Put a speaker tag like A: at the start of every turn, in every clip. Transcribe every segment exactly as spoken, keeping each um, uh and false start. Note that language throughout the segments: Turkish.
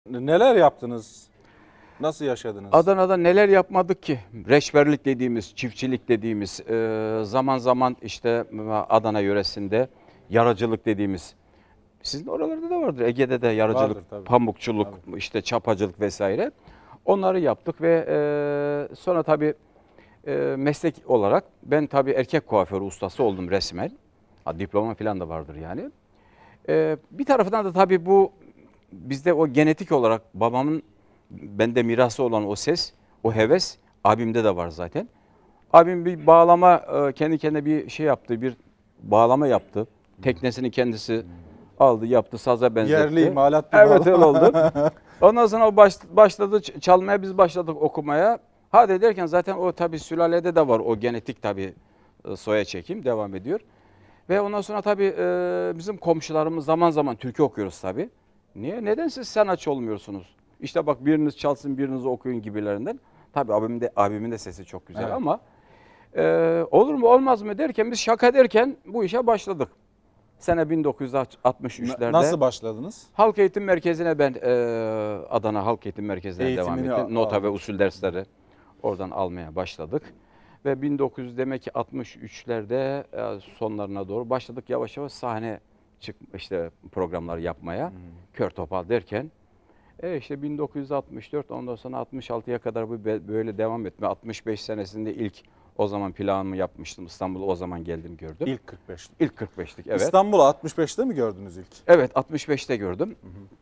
A: Neler yaptınız? Nasıl yaşadınız?
B: Adana'da neler yapmadık ki? Reçberlik dediğimiz, çiftçilik dediğimiz, e, zaman zaman işte Adana yöresinde yaracılık dediğimiz. Sizin oralarda da vardır. Ege'de de yaracılık,
A: Vardır tabii.
B: pamukçuluk,
A: Tabii.
B: işte çapacılık vesaire. Onları yaptık ve e, sonra tabii e, meslek olarak ben tabii erkek kuaförü ustası oldum resmen. Ha, diploma falan da vardır yani. E, bir taraftan da tabii bu bizde o genetik olarak babamın bende mirası olan o ses, o heves abimde de var zaten. Abim bir bağlama e, kendi kendine bir şey yaptı, bir bağlama yaptı. Teknesini kendisi aldı, yaptı, saza benzetti.
A: Yerli imalat bir
B: Evet, öyle
A: bağlama.
B: oldu. Ondan sonra o baş, başladı ç- çalmaya, biz başladık okumaya. Hadi derken zaten o tabii sülalede de var o genetik tabii e, soya çekim devam ediyor. Ve ondan sonra tabii e, bizim komşularımız zaman zaman türkü okuyoruz tabii. Niye? Neden siz sanatçı olmuyorsunuz? İşte bak biriniz çalsın, biriniz okuyun gibilerinden. Tabii abimin de, abimin de sesi çok güzel
A: Evet.
B: ama e, olur mu olmaz mı derken biz şaka derken bu işe başladık. Sene bin dokuz yüz altmış üçlerde.
A: Nasıl başladınız?
B: Halk Eğitim Merkezi'ne ben e, Adana Halk Eğitim Merkezi'ne devam
A: Eğitimini
B: ettim. Nota
A: aldın.
B: ve usul dersleri oradan almaya başladık. Ve bin dokuz yüz demek ki altmış üçlerde e, sonlarına doğru başladık yavaş yavaş sahne çık işte programlar yapmaya.
A: Hmm.
B: Kör topal derken e işte bin dokuz yüz altmış dört ondan sonra altmış altıya kadar bu be- böyle devam etme. altmış beş senesinde ilk o zaman planımı yapmıştım. İstanbul'a o zaman geldim gördüm. İlk,
A: İlk kırk beşlik.
B: ilk kırk beşlik evet.
A: İstanbul'u altmış beşte mi gördünüz ilk?
B: Evet, altmış beşte gördüm.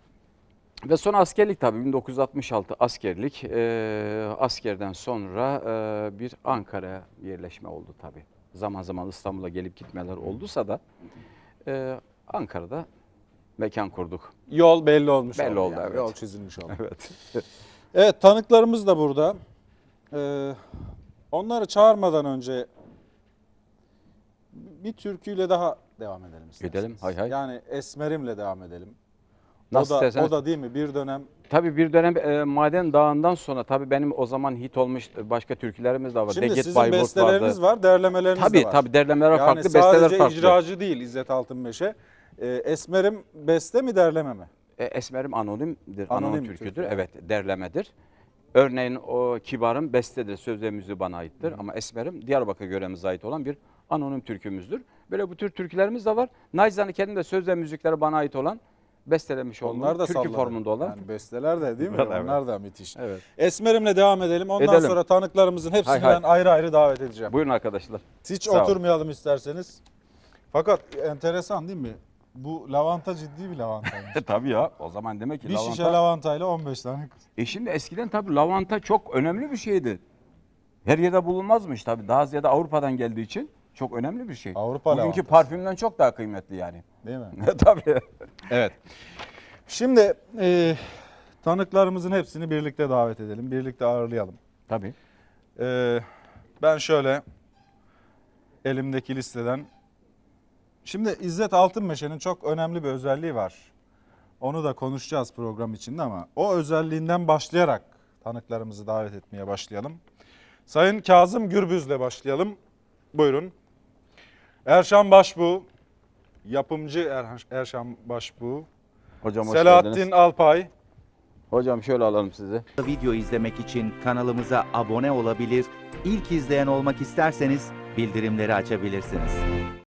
B: Ve sonra askerlik tabii bin dokuz yüz altmış altı askerlik. Ee, askerden sonra e, bir Ankara'ya yerleşme oldu tabii. Zaman zaman İstanbul'a gelip gitmeler olduysa da e, Ankara'da mekan kurduk.
A: Yol belli olmuş
B: Belli
A: oldu.
B: oldu,
A: yani.
B: evet.
A: Yol çizilmiş oldu.
B: Evet.
A: Evet, tanıklarımız da burada. Ee, onları çağırmadan önce bir türküyle daha devam edelim isterseniz.
B: Edelim, hay hay.
A: Yani Esmerim'le devam edelim.
B: Nasıl
A: o da,
B: isterseniz.
A: o da değil mi bir dönem
B: Tabii bir dönem e, Maden Dağı'ndan sonra tabii benim o zaman hit olmuş başka türkülerimiz de var.
A: Şimdi
B: Deget
A: sizin
B: Bayburt
A: besteleriniz
B: vardı.
A: var, derlemeleriniz
B: Tabii
A: de var.
B: tabii derlemeler
A: Yani
B: farklı, besteler
A: sadece
B: farklı.
A: icracı değil İzzet Altınmeşe. Ee, Esmerim beste mi derleme mi?
B: E, Esmerim anonimdir,
A: Anonim
B: anonim türküdür.
A: türkü,
B: Evet, derlemedir. Örneğin o Kibar'ın bestedir, söz ve müziği bana aittir. Ama Esmerim Diyarbakır yöremize ait olan bir anonim türkümüzdür. Böyle bu tür türkülerimiz de var. Naizane kendim de söz ve müzikleri bana ait olan, bestelemiş olduğum,
A: Onlar da
B: türkü
A: salladı.
B: formunda olan.
A: Yani besteler de değil mi?
B: Evet.
A: Onlar da müthiş.
B: Evet.
A: Esmerim'le devam edelim. Ondan
B: Edelim.
A: sonra tanıklarımızın hepsini
B: Hay hay.
A: ben ayrı ayrı davet edeceğim.
B: Buyurun arkadaşlar.
A: Hiç
B: Sağ olun.
A: oturmayalım isterseniz. Fakat enteresan değil mi? Bu lavanta ciddi bir lavantaymış.
B: Tabii ya, o zaman demek ki
A: Bir
B: lavanta.
A: şişe lavantayla on beş tane kız.
B: E şimdi eskiden tabii lavanta çok önemli bir şeydi. Her yerde bulunmazmış tabii. Daha ziyade Avrupa'dan geldiği için çok önemli bir şey.
A: Avrupa
B: Bugünkü
A: lavantası.
B: parfümden çok daha kıymetli yani.
A: Değil mi?
B: Tabii.
A: Evet. Şimdi e, tanıklarımızın hepsini birlikte davet edelim. Birlikte ağırlayalım.
B: Tabii.
A: E, ben şöyle elimdeki listeden. Şimdi İzzet Altınmeşe'nin çok önemli bir özelliği var. Onu da konuşacağız program içinde ama o özelliğinden başlayarak tanıklarımızı davet etmeye başlayalım. Sayın Kazım Gürbüz'le başlayalım. Buyurun. Erşan Başbuğ, yapımcı Er- Erşan Başbuğ.
B: Hocam hoş
A: Selahattin
B: geldiniz.
A: Alpay.
B: Hocam şöyle alalım sizi.
C: Video izlemek için kanalımıza abone olabilir, ilk izleyen olmak isterseniz bildirimleri açabilirsiniz.